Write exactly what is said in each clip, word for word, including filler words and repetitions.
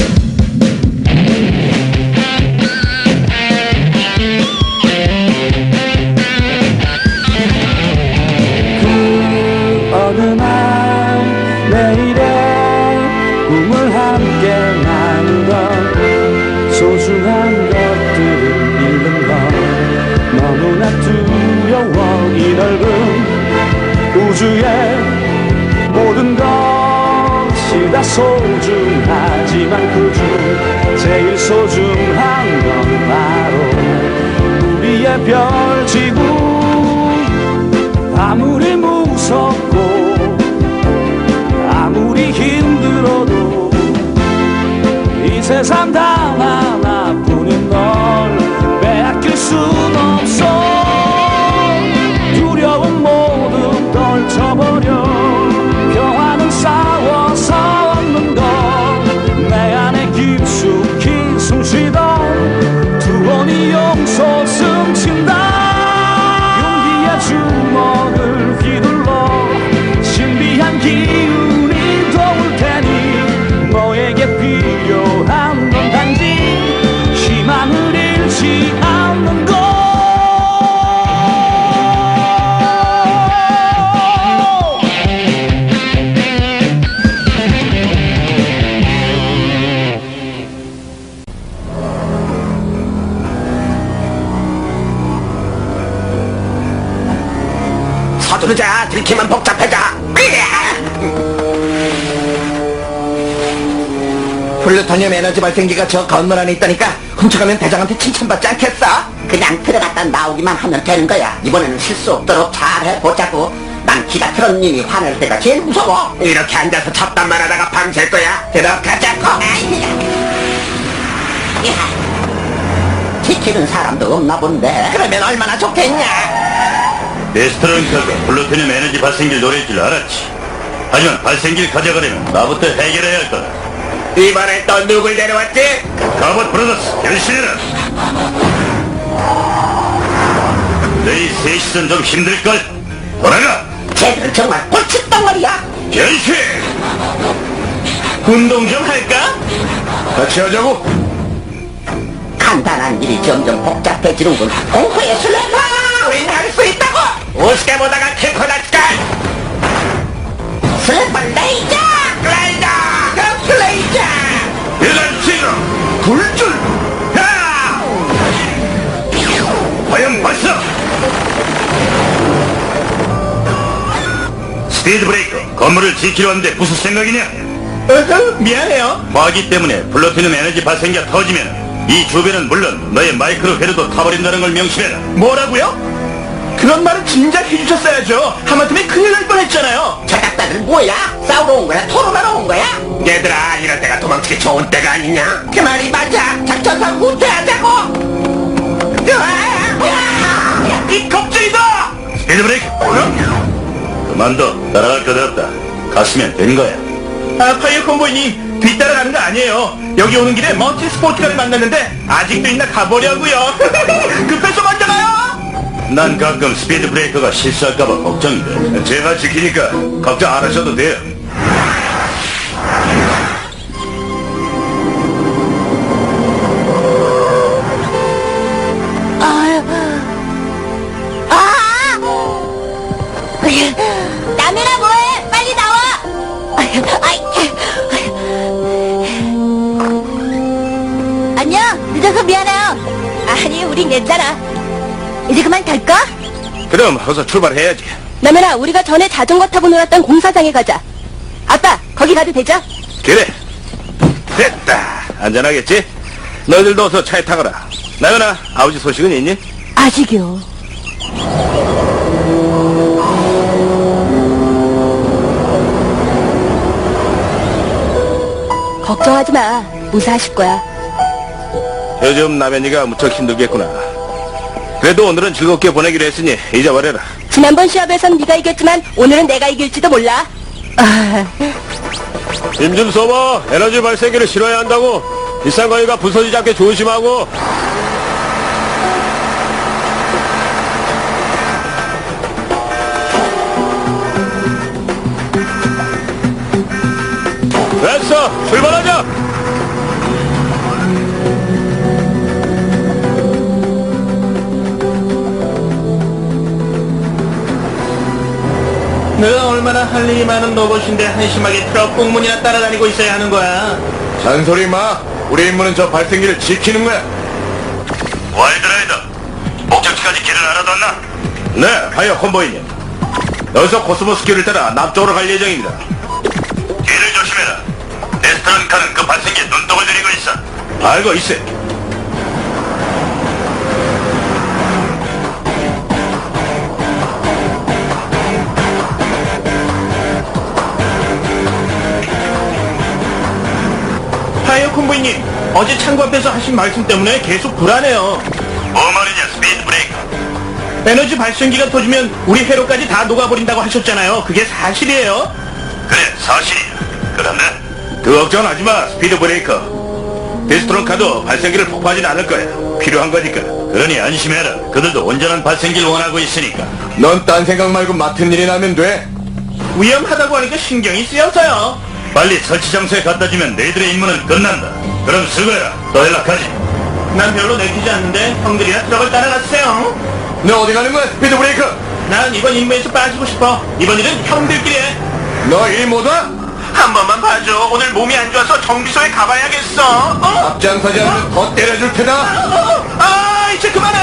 소중한 것들을 잃는 건 너무나 두려워. 이 넓은 우주의 모든 것이 다 소중하지만 그중 제일 소중한 건 바로 우리의 별 지구. 아무리 무섭고 아무리 힘들어도 이 세상 단 하나뿐인 널 빼앗길 순 없어. 두려움 모두 떨쳐버려. 평화는 싸워서 얻는 것. 내 안에 깊숙이 숨쉬던 두번이 용서 숨친다. 용기의 주먹을 휘둘러 신비한 기운이 도울 테니 너에게 필요한 건 단지 희망을 잃지 않는 것. 서두르자. 들키면 복잡해져. 플루토늄 에너지 발생기가 저 건물 안에 있다니까 훔쳐가면 대장한테 칭찬받지 않겠어? 그냥 들어갔다 나오기만 하면 되는 거야. 이번에는 실수 없도록 잘 해보자고. 난 기가트론님이 화낼 때가 제일 무서워. 이렇게 앉아서 잡담만 하다가 밤샐 거야. 들어가자고. 지키는 사람도 없나 본데. 그러면 얼마나 좋겠냐. 데스트로니카가 플루토늄 에너지 발생기를 노릴 줄 알았지. 하지만 발생기를 가져가려면 나부터 해결해야 할 거다. 이번엔 또 누굴 데려왔지? 가봇 브라더스 변신해라. 너희 셋이선 좀 힘들걸. 돌아가. 쟤들은 정말 꼴칫덩어리야. 변신. 운동 좀 할까? 같이 하자고. 간단한 일이 점점 복잡해지는군. 공포의 슬래퍼! 우린 할 수 있다고! 우습게 보다가 킬코 났을까? 슬래퍼 레이저! 레이저! 그 레이저! 여덟 시로 굴줄. 야! 화염 발사. 스피드 브레이커. 건물을 지키려 하는데 무슨 생각이냐? 어허, 미안해요. 화기 때문에 플루토늄 에너지 발생기가 터지면 이 주변은 물론 너의 마이크로 회로도 타버린다는 걸 명심해라. 뭐라고요? 그런 말은 진작 해주셨어야죠. 하마터면 큰일 날 뻔했잖아요. 저작자들 뭐야? 싸우러 온 거야? 토론하러 온 거야? 얘들아, 이럴 때가 도망치기 좋은 때가 아니냐? 그 말이 맞아. 작전상 후퇴하자고. 이 겁쟁이다. 스피드 브레이크. 그만둬. 따라갈 거 없다. 갔으면 된 거야. 아, 파이어 콤보이님 뒤따라가는 거 아니에요. 여기 오는 길에 먼티 스포츠카를 만났는데 아직도 있나 가보려고요. 급해서 먼저 가요. 난 가끔 스피드 브레이커가 실수할까봐 걱정이 돼. 제가 지키니까 걱정 안 하셔도 돼요. 남해라 뭐해? 빨리 나와. 안녕. 늦어서 미안해요. 아니 우린 괜찮아. 이제 그만 갈까? 그럼 어서 출발해야지. 남해라 우리가 전에 자전거 타고 놀았던 공사장에 가자. 아빠 거기 가도 되죠? 그래. 됐다. 안전하겠지? 너희들도 어서 차에 타거라. 나연아, 아버지 소식은 있니? 아직이요. 걱정하지 마. 무사하실 거야. 요즘 남현이가 무척 힘들겠구나. 그래도 오늘은 즐겁게 보내기로 했으니 잊어버려라. 지난번 시합에선 네가 이겼지만 오늘은 내가 이길지도 몰라. 힘 좀 써봐. 에너지 발생기를 실어야 한다고. 비싼 거니까 부서지지 않게 조심하고. 됐어. 출발하자. 얼마나 할 일이 많은 로봇인데 한심하게 트럭 꽁문이나 따라다니고 있어야 하는 거야. 잔소리 마. 우리 임무는 저 발생기를 지키는 거야. 와일드라이더, 목적지까지 길을 알아뒀나? 네, 하여 콤보이님. 여기서 코스모스길을 따라 남쪽으로 갈 예정입니다. 뒤를 조심해라. 레스토랑카는 그 발생기에 눈독을 들이고 있어. 알고 있어. 하이어 콤보이님, 어제 창구 앞에서 하신 말씀 때문에 계속 불안해요. 뭐 말이냐, 스피드 브레이커. 에너지 발생기가 터지면 우리 회로까지 다 녹아버린다고 하셨잖아요. 그게 사실이에요? 그래, 사실이야. 그런데 그 걱정하지 마, 스피드 브레이커. 데스트론카도 발생기를 폭파하진 않을 거야. 필요한 거니까. 그러니 안심해라. 그들도 온전한 발생기를 원하고 있으니까. 넌 딴 생각 말고 맡은 일이 나면 돼. 위험하다고 하니까 신경이 쓰여서요. 빨리 설치 장소에 갖다 주면 너희들의 임무는 끝난다. 그럼 수고해라. 또 연락하지. 난 별로 내키지 않는데 형들이나 트럭을 따라갔어요. 너 어디 가는 거야, 스피드 브레이커? 난 이번 임무에서 빠지고 싶어. 이번 일은 형들끼리 해. 너 일 못 와? 한 번만 봐줘. 오늘 몸이 안 좋아서 정비소에 가봐야겠어. 어? 앞장서지 않으면 더 때려줄 테다. 어? 아, 이제 그만해.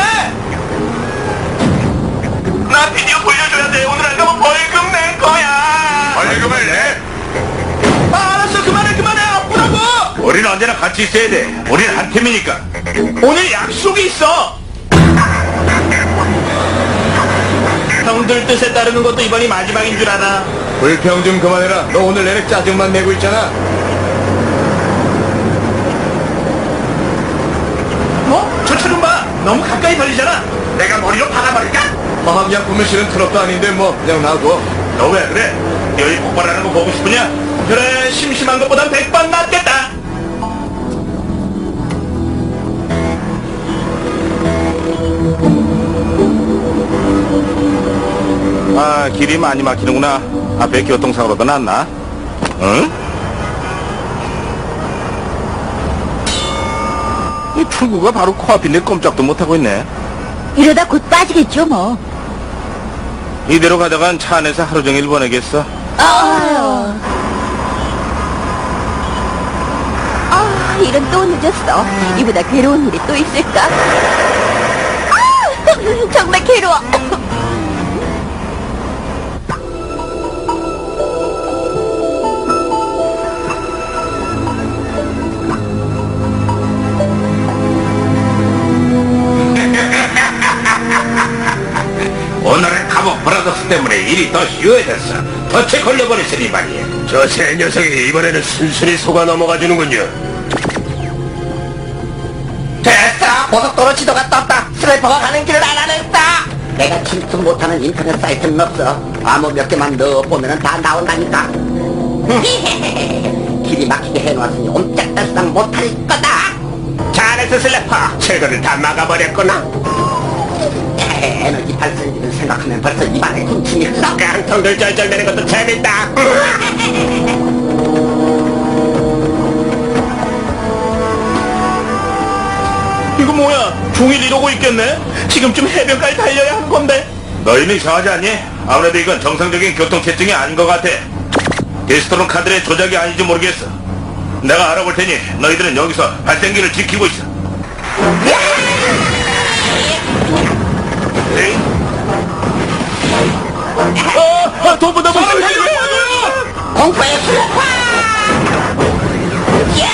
나 비디오 돌려줘야 돼. 오늘 안 가면 벌금 낼 거야. 벌금을 내? 아, 알았어. 그만해, 그만해. 아프라고. 우리는 언제나 같이 있어야 돼. 우리는 한 팀이니까. 오늘 약속이 있어. 형들 뜻에 따르는 것도 이번이 마지막인 줄 알아. 불평 좀 그만해라. 너 오늘 내내 짜증만 내고 있잖아. 어? 저 차 좀 봐. 너무 가까이 달리잖아. 내가 머리로 박아버릴까? 화학약품을 실은 트럭도 아닌데 뭐 그냥 놔둬. 너 왜 그래? 여기 폭발하는 거 보고 싶으냐? 그래, 심심한 것보단 백번 낫겠다. 아, 길이 많이 막히는구나. 앞에 교통사고로도 났나? 응? 이 출구가 바로 코앞인데 꼼짝도 못하고 있네. 이러다 곧 빠지겠죠, 뭐. 이대로 가다간 차 안에서 하루 종일 보내겠어. 아유. 아, 이런 또 늦었어. 이보다 괴로운 일이 또 있을까? 아, 정말 괴로워. 오늘의 카보 브라더스 때문에 일이 더 쉬워졌어. 덫에 걸려버렸으니 말이야. 저 새 녀석이 이번에는 순순히 속아 넘어가주는군요. 됐어. 고속도로 지도가 떴다. 스나이퍼가 가는 길을 알아냈다. 내가 침투 못하는 인터넷 사이트는 없어. 아무 몇 개만 넣어보면 다 나온다니까. 길이 막히게 해놓았으니 옴짝달싹 못할 거다. 잘했어, 슬래퍼. 철거를 다 막아버렸구나. 에너지 발생기를 생각하면 벌써 입안에 군침이 흘러. 깡통들 쩔쩔대는 것도 재밌다. 이거 뭐야? 종일 이러고 있겠네? 지금쯤 해변까지 달려야 하는 건데. 너희는 이상하지 않니? 아무래도 이건 정상적인 교통체증이 아닌 것 같아. 데스토론 카드의 조작이 아닌지 모르겠어. 내가 알아볼 테니 너희들은 여기서 발생기를 지키고 있어. 에이? 어, 아, 도보, 도보, 도보, 공포의 슬퍼! 야!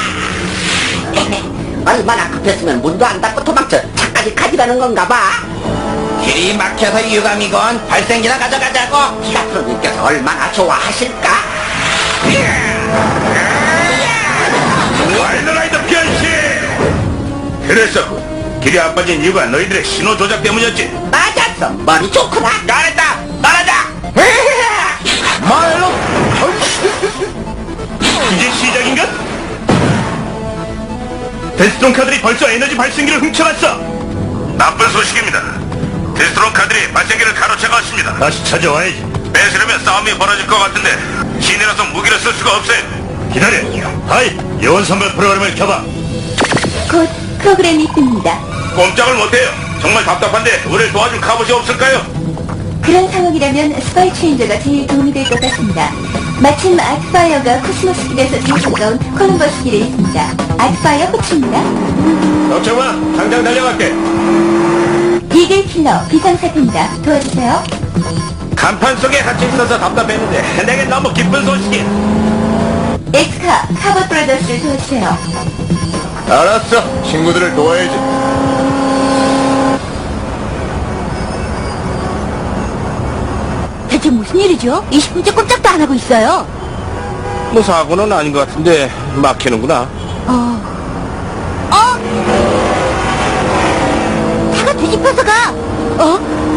얼마나 급했으면 문도 안 닫고 도망쳐 차까지 가지라는 건가 봐. 길이 막혀서 유감이건 발생기나 가져가자고. 기가트로님께서 얼마나 좋아하실까? 와일드라이더 변신! 그랬었군. 길이 안 빠진 이유가 너희들의 신호 조작 때문이었지. 맞았어. 머리 좋구나. 잘했다! 말하자! 말로. 이제 시작인가? 데스트론 카들이 벌써 에너지 발생기를 훔쳐갔어. 나쁜 소식입니다. 데스트론 카들이 발생기를 가로채고 왔습니다. 다시 찾아와야지. 뺏으려면 싸움이 벌어질 것 같은데 신이라서 무기를 쓸 수가 없어요. 기다려. 하이, 예원 선발 프로그램을 켜봐. 곧 프로그램이 뜹니다. 꼼짝을 못해요. 정말 답답한데 우리를 도와줄 갑옷이 없을까요? 그런 상황이라면 스파이 체인저가 제일 도움이 될 것 같습니다. 마침 아트파이어가 코스모스 길에서 제일 가까운 콜럼버스 길에 있습니다. 아트파이어 호출입니다. 걱정 마. 당장 달려갈게. 이글 킬러 비상사태입니다. 도와주세요. 간판 속에 갇혀 있어서 답답했는데 내겐 너무 기쁜 소식이야. 엑스카 카버 브라더스를 도와주세요. 알았어. 친구들을 도와야지. 대체 무슨 일이죠? 이십 분째 꼼짝도 안 하고 있어요. 뭐 사고는 아닌 것 같은데 막히는구나. 어... 어? 차가 뒤집혀서 가! 어?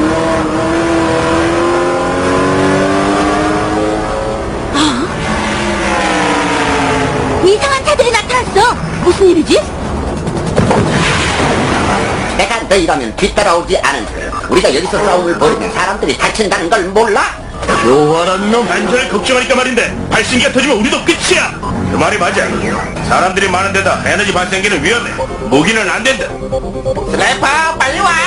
어? 이상한 차들이 나타났어! 무슨 일이지? 내가 너희라면 뒤따라오지 않은 우리가 여기서 싸움을 벌이면 사람들이 다친다는 걸 몰라? 요활한 놈. 안전을 걱정하니까 말인데 발신기가 터지면 우리도 끝이야. 그 말이 맞아. 사람들이 많은 데다 에너지 발생기는 위험해. 무기는 안 된다. 슬래퍼 빨리 와!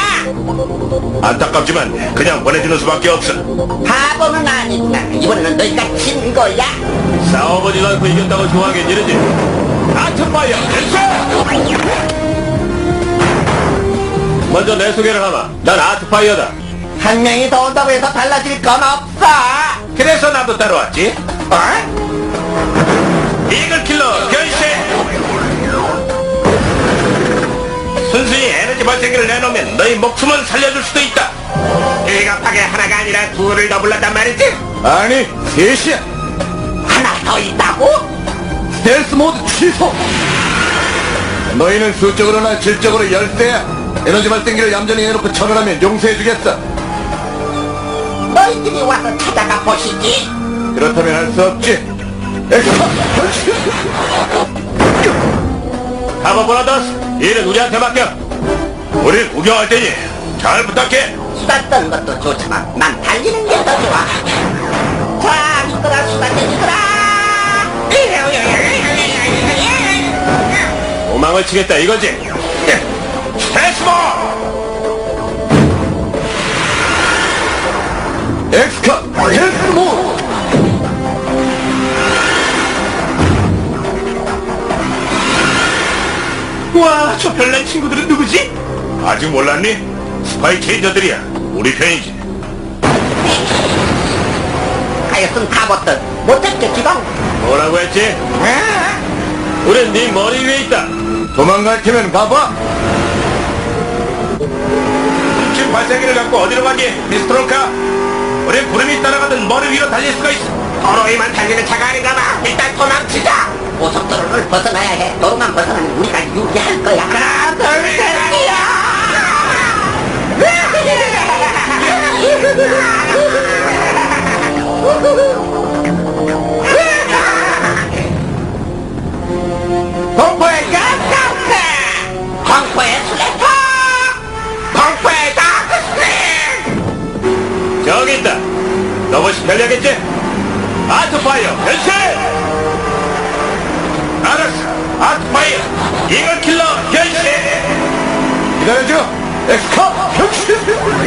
안타깝지만 그냥 보내주는 수밖에 없어. 바보는 아니구나. 이번에는 너희가 진 거야. 싸워보지도 않고 이겼다고 좋아하긴 이러지. 아트파이어 댄스! 먼저 내 소개를 하마. 난 아트파이어다. 한 명이 더 온다고 해서 달라질 건 없어. 그래서 나도 따라왔지. 어? 이글킬러 변신! 순순히 에너지 발생기를 내놓으면 너희 목숨은 살려줄 수도 있다. 일갑하게 하나가 아니라 둘을 더 불렀단 말이지? 아니, 셋이야. 하나 더 있다고? 스텔스 모드 취소! 너희는 수적으로나 질적으로 열세야. 에너지 발생기를 얌전히 해놓고 처벌하면 용서해주겠어. 너희들이 와서 찾아가 보시지. 그렇다면 할 수 없지. 엑스파! 카버 브라더스, 일은 우리한테 맡겨. 우린 구경할 테니 잘 부탁해. 수다 떠는 것도 좋지만 난 달리는 게 더 좋아. 자, 이거라 수다 떼니거라. 도망을 치겠다 이거지. 패스볼! 엑스카 패스볼! 와, 저 별난 친구들은 누구지? 아직 몰랐니? 스파이 체인저들이야. 우리 편이지. 하여튼 가봤던 못했겠지롱. 뭐라고 했지? 우린 네 머리 위에 있다. 도망갈 테면 가봐. 훔친 발생기를 갖고 어디로 가니, 미스트론카? 우린 구름이 따라가던 머리 위로 달릴 수가 있어. 도로에만 달리는 차가 아닌가 봐. 일단 도망치자. 고속도로를 벗어나야 해. 도로만 벗어나면 우리가 유리할 거야. 하나, 둘, 셋이야. 공포의 가스카우트! 공포의 슬래퍼! 공포의 다크스크린! 저기 있다. 로봇이 편리하겠지? 아트파이어 변신! 알았어. 아트파이어 이글킬러 변신! 기다려줘. 엑스카 변신!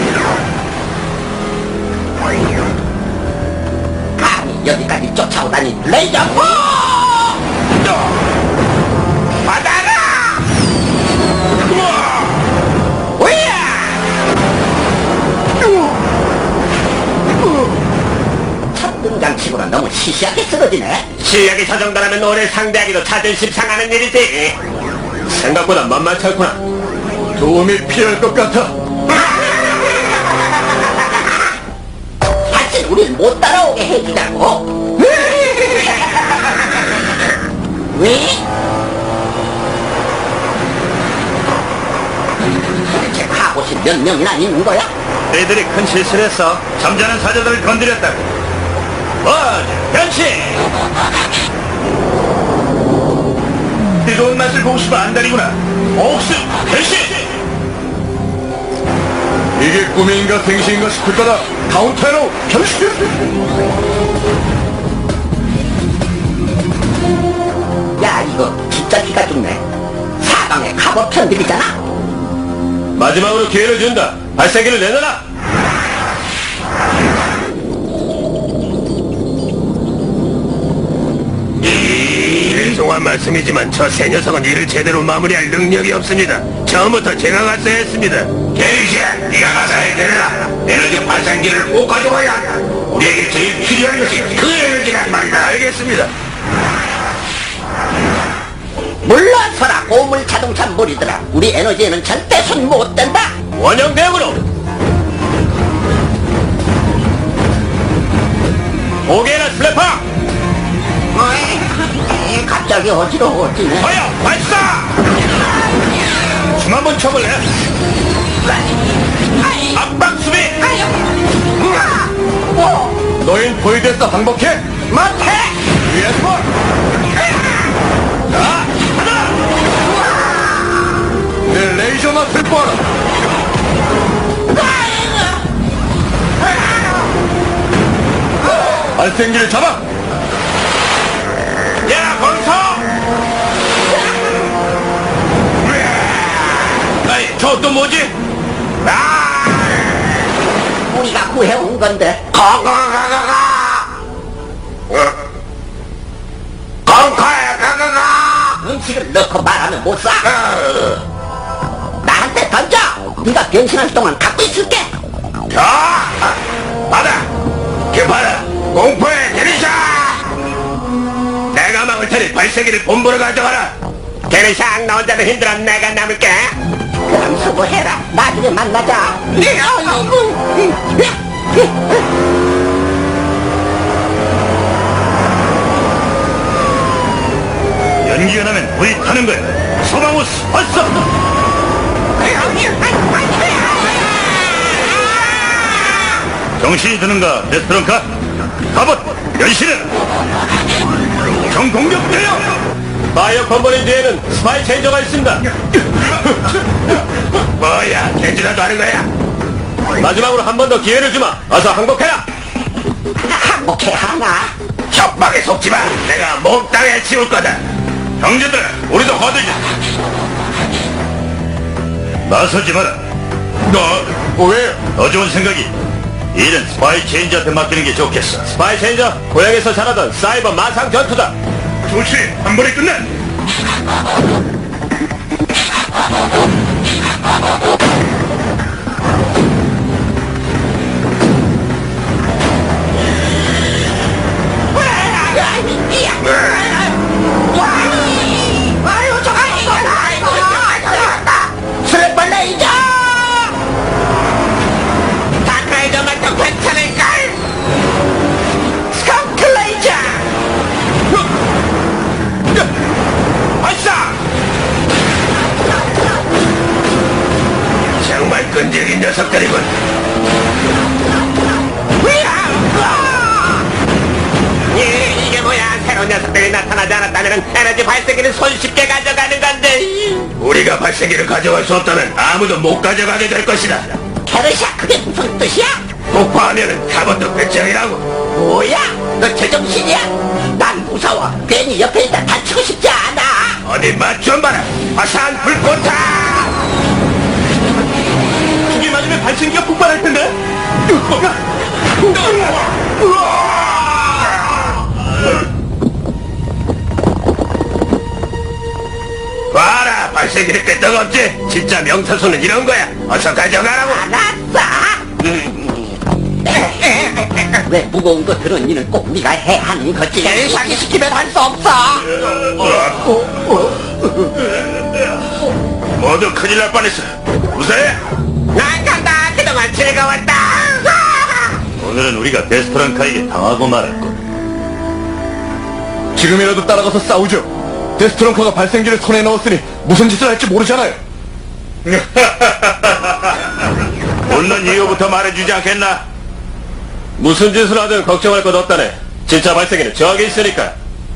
감히 여기까지 쫓아오다니 레이저포! 받아라! 우야! 첫 등장치고는 너무 시시하게 쓰러지네. 실력이 저 정도라면 오늘 상대하기도 자존심 상하는 일이지. 생각보다 만만치 않구나. 도움이 필요할 것 같아. 다시 우릴 못 따라오게 해주자고. 왜? 도대체 갑옷이 몇 명이나 있는 거야? 너희들이 큰 실수를 했어. 잠자는 사자들을 건드렸다고. 원, 변신! 뜨거운 맛을 보고 싶어 안달이구나. 옥수, 변신! 이게 꿈인가 생시인가 싶을 거다. 카운터로 변신! 야, 이거 진짜 기가 죽네. 사방에 갑옷 편들이잖아. 마지막으로 기회를 준다. 발사기를 내놔라. 죄송한 말씀이지만 저 새 녀석은 일을 제대로 마무리할 능력이 없습니다. 처음부터 제가 갔어야 했습니다. 게리시야, 네가 가서 해결해라. 에너지 발생기를 꼭 가져와야 한다. 우리에게 제일 필요한 것이 그 에너지란 말이다. 알겠습니다. 물러서라 고물 자동차 무리들아. 우리 에너지에는 절대 손 못 댄다. 원형 대응으로 오게나 슬래퍼 어이, 갑자기 어지러워지네. 허여 발사! 춤 한번 춰볼래? 압박 수비! 너흰 보이드에서 항복해. 못해. 위에서 볼. 자, 하나! 내 레이저 맛을 보아라. 발생기를 잡아. 야, 거기서! 아이, 저 또 뭐지? 아! 우리가 구해온 건데. 가가가가가! 건카야, 가가가! 음식을 넣고 말하면 못 사. 나한테 던져. 네가 변신할 동안 갖고 있을게. 자, 받아! 개파라! 공포의 게리샤! 내가 막을 테니 발세기를 본부로 가져가라! 게리샤 나 혼자는 힘들어 내가 남을게! 그럼 수고해라. 나중에 만나자. 연기가 나면 불이 타는 거야! 소방우스 왔어! 정신이 드는가, 데스트론카? 갑옷, 연신은! 정공격대요! 파이어 컴버린 뒤에는 스파이 체인저가 있습니다! 뭐야, 개지라도 하는 거야? 마지막으로 한 번 더 기회를 주마! 어서 항복해라! 항복해 하나. 협박에 속지 마! 내가 몽땅에 치울 거다! 형제들, 우리도 거두자! 나서지 마라! 너, 왜요? 더 좋은 생각이 일은 스파이 체인저한테 맡기는 게 좋겠어. 스파이 체인저, 고향에서 자라던 사이버 마상 전투다. 좋지, 한 번에 끝난. 아유 저거 이거 아이고 슬래퍼 레이저. 다크라이저만 더 괜찮을걸? 스컹크 레이저. 발사! 정말 끈질긴 녀석들이군. 이, 이게 뭐야? 새로운 녀석들이 나타나지 않았다면 에너지 발생기를 손쉽게 가져가는 건데. 우리가 발생기를 가져갈 수 없다면 아무도 못 가져가게 될 것이다. 캐르샤 그게 무슨 뜻이야? 폭파하면은 가번도 배짱이라고. 뭐야? 너 제정신이야? 난 무서워. 괜히 옆에 있다 다치고 싶지 않아. 어디 맛 좀 봐라. 화산 불꽃타. 이게 맞으면 발생기가 폭발할 텐데. 봐라, 발생기를 끄떡없지? 진짜 명사수는 이런 거야. 어서 가져가라고. 알았어. 왜 무거운 거 들은 일은 꼭 네가 해야 하는 거지. 사기 시키면 할 수 없어. 모두 큰일 날 뻔했어. 무사해? 난 간다. 그동안 즐거웠다. 오늘은 우리가 데스토랑카에게 당하고 말할 것. 지금이라도 따라가서 싸우죠. 데스트론커가 발생기를 손에 넣었으니 무슨 짓을 할지 모르잖아요. 웃는 이유부터 말해주지 않겠나? 무슨 짓을 하든 걱정할 것 없다네. 진짜 발생기는 저기 있으니까.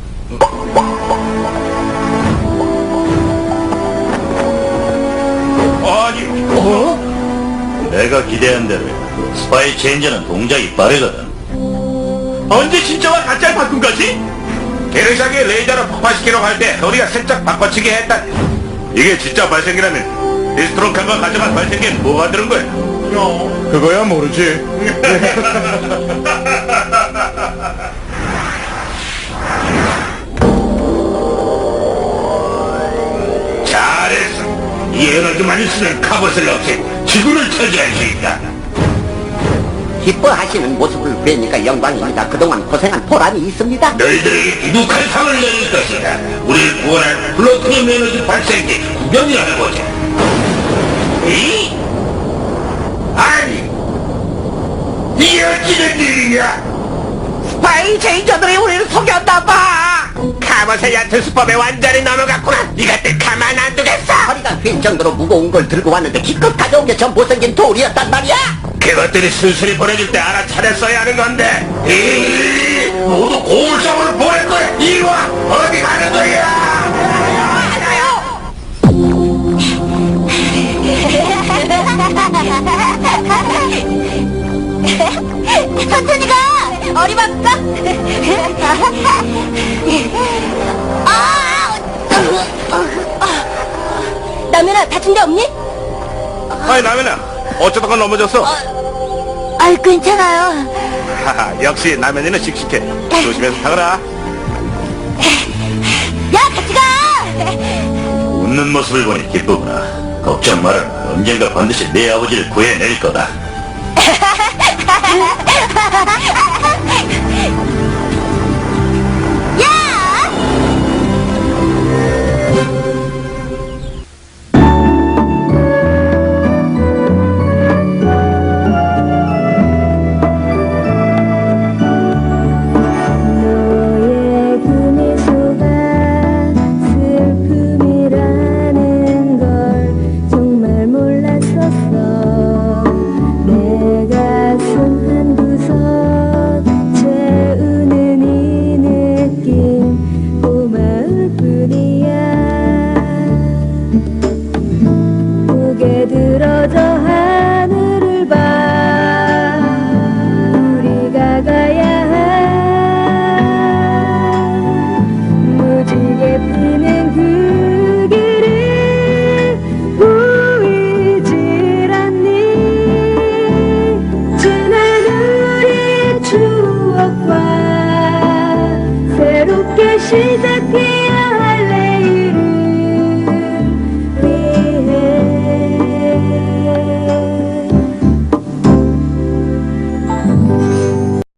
아니, 어? 내가 기대한 대로 스파이 체인저는 동작이 빠르거든. 언제 진짜와 가짜를 바꾼 거지? 게르샥이 레이더를 폭파시키려고 할 때 우리가 살짝 바꿔치기 했다. 이게 진짜 발생기라면 디스트론카가 가져간 발생기엔 뭐가 들은 거야? 그거야 모르지. 이 에너지만 있으면 갑옷을 없애고 지구를 차지할 수 있다. 기뻐하시는 모습을 뵈니까 영광입니다. 그동안 고생한 보람이 있습니다. 너희들에게 두둑한 상을 내릴 것이다. 우리를 구원할 플루토늄 에너지 발생기 구경이나 해보자. 이? 아니, 이게 어찌된 일이냐? 스파이 제인저들이 우리를 속였나봐. 갑옷의 얕은 수법에 완전히 넘어갔구나. 이것들 가만 안 두겠어. 허리가 휠 정도로 무거운 걸 들고 왔는데 기껏 가져온 게 전 못생긴 돌이었단 말이야. 그것들이 순순히 보내줄 때 알아차렸어야 하는 건데. 이 모두 고울성으로 보낼 거야. 이리 와. 어디 가는 거야? 천천히 가! 어림없어! 아! 남현아, 다친 데 없니? 아이 남현아 어쩌다가 넘어졌어? 아, 괜찮아요. 하하 역시 남현이는 씩씩해. 조심해서 타거라. 야, 같이 가! 웃는 모습을 보니 기쁘구나. 걱정 마라. 언젠가 반드시 내 아버지를 구해낼 거다. 너의 그 미소가 슬픔이라는 걸 정말 몰랐었어. 내 가슴 한구석 채우는 이 느낌 고마울 뿐이야. 고개 들어줘 하늘을 봐. 우리가 가야 할 무지개 피는 그 길이 보이질 않니. 지난 우리의 추억과 새롭게 시작